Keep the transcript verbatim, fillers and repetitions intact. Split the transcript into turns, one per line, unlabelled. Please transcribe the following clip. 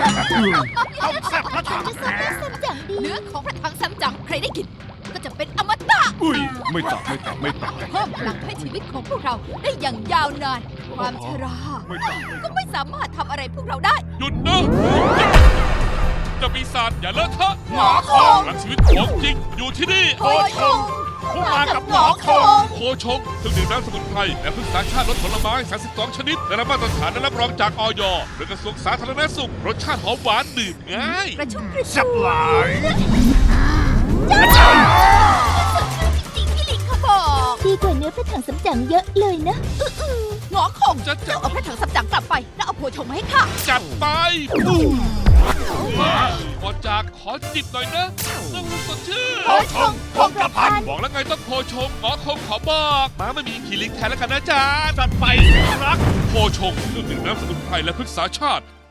ต้องแซ่บพระถัง
จะซับได้ซับจังดี
เนื้อของพระถังซัมจั๋งใครได้กินก็จะเป็นอมตะ
อุ้ยไม่ต่างไม่ต่างไม่ต่าง
เพิ่มพลังให้ชีวิตของพวกเราได้อย่างยาวนาน ความชรา
ไม่ต่างไม่
ก็ไม่สามารถทำอะไรพวกเราได้
หยุดนะเจะปีศาจอย่าเลอะเทอะ
หมอคง
พลังชีวิตของจริงอยู่ที่นี่
โคชง
ผู้มากับหมอคง
โคชงเครื่องดื่มน้ำสมุนไพรและพืชสารชาติรสผลไม้สามสิบสองชนิดได้รับมาตรฐานและรับรองจากออยโดยกระทรวงสาธารณสุขรสชาติหอมหวานดื่มง่าย
กระชุ่มกระช
แซ่บ
วย
หลาย
จริงๆที่ลิงเขาบอก
ดีกว่าเนื้อพระถังซับจังเยอะเลยนะ
หงอคง
จะจะ
เจ้าเอาพระถังซัมจั๋งกลับไป แล้วเอาโคชงมาให้ข้า
จัดไปก่อนจากขอจิบหน่อยนะน้ำสดชื่น
โคชง
คงกระพัน
บอกแล้วไงต้องโคชงหมอคงขอบอกม้าไม่มีขี่ลิงแทนแล้วกันนะจ๊ะ
จัดไปรัก
โคชงเครื่องดื่มน้ำสมุนไพรและพฤกษาชาติ